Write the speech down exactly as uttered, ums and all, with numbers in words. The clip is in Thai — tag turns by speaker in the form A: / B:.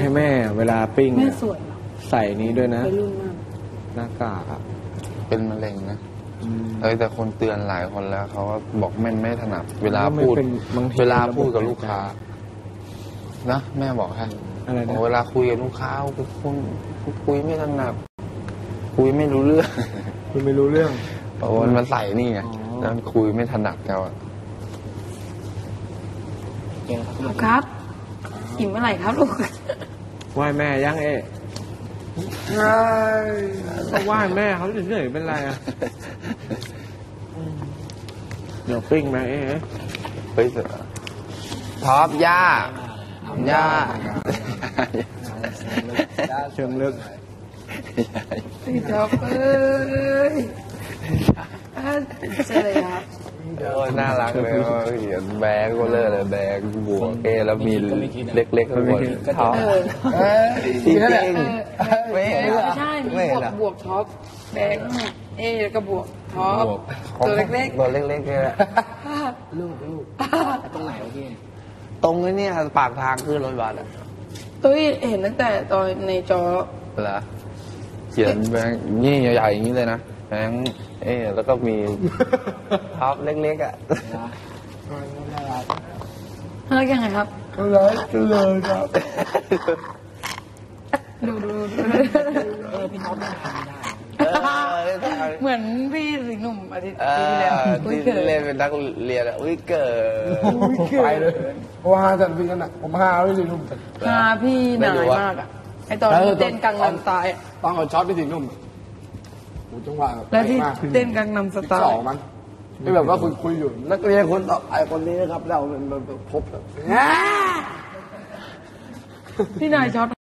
A: ให้แม่เวลาปิ้งแม่
B: สวย
A: ใส่นี้ด้วยนะ
B: ไปรุ่นมาก
A: หน้ากากอ่ะ
C: เป็นมะเร็งนะเอ้ยแต่คนเตือนหลายคนแล้วเขาก็บอกแม่ไม่ถนัดเวลาพูดเวลาพูดกับลูกค้านะแม่บอกฮะ
A: อะไรนะ
C: เวลาคุยกับลูกค้าคุณคุยไม่ถนัดคุยไม่รู้เรื่อง
A: คุยไม่รู้เรื่อง
C: เพราะมันมาใส่นี่ไงแล้วคุยไม่ถนัดเขาอ่ะ
B: ครับอิ่มเมื่อไหร่ครับลูก
A: ไหว้แม่ยังเอ๊ะใช่ก็ไหว้แม่เขาเฉยๆเป็นไรอ่ะเดี๋ยวปิ้งมาเอ๊ะ
C: เฮ้ยท็อปย่าย่า
A: เชิงลึก
B: พี่ท็อปเอ้ยใช่เลยครับ
C: โอ้ยน่ารักเลยเห็นแบงก็เลยเลยแบงบวกเอแล้วมีเล็กๆข้างบนท็อปจริง
B: ไม่ใช่มีบวกบวกท็อปแบงเอกับบวกท็อปตัวเล็กๆ
C: ตัวเล็กๆเนี่ย
D: ลูกลูกตรงไหนวะพี่
C: ตรงนี้ปากทางขึ้นรถบัสอ่ะ
B: ตุ้ยเห็นตั้งแต่ตอนในจอ
C: เหรอเขียนแบงนี่ใหญ่ๆอย่างนี้เลยนะแบงเอแล้วก็มีท็อปเล็กๆอ่ะ
B: น่ารักยังไงครับ
C: น่ารักเลยครับ
B: ดูดู
D: เออพี่ท็อปไม่ทำ
B: ได้เหมือนพี่สิงห์หนุ่มอาทิตย์ที่แล้ว
C: ที่เล่นเป็นนักเรียนอ่ะอุ้ยเกิด
D: ไปเลยว่าจัดพี่กันอ่ะผมหาพี่สิงห์หนุ่ม
B: หาพี่นายมากอ่ะไอตอนเต้นกังนำตาย
D: ตอนเขาช็อตพี่สิงห์หนุ่มจังหวะ
B: แล้วที่เต้นกังนำสไตล์
D: สองมันไม่แบบว่าคุยคุยอยู่นักเรียนคนต่อไอคนนี้นะครับเราเป็นพบ
B: พี่นายช็อต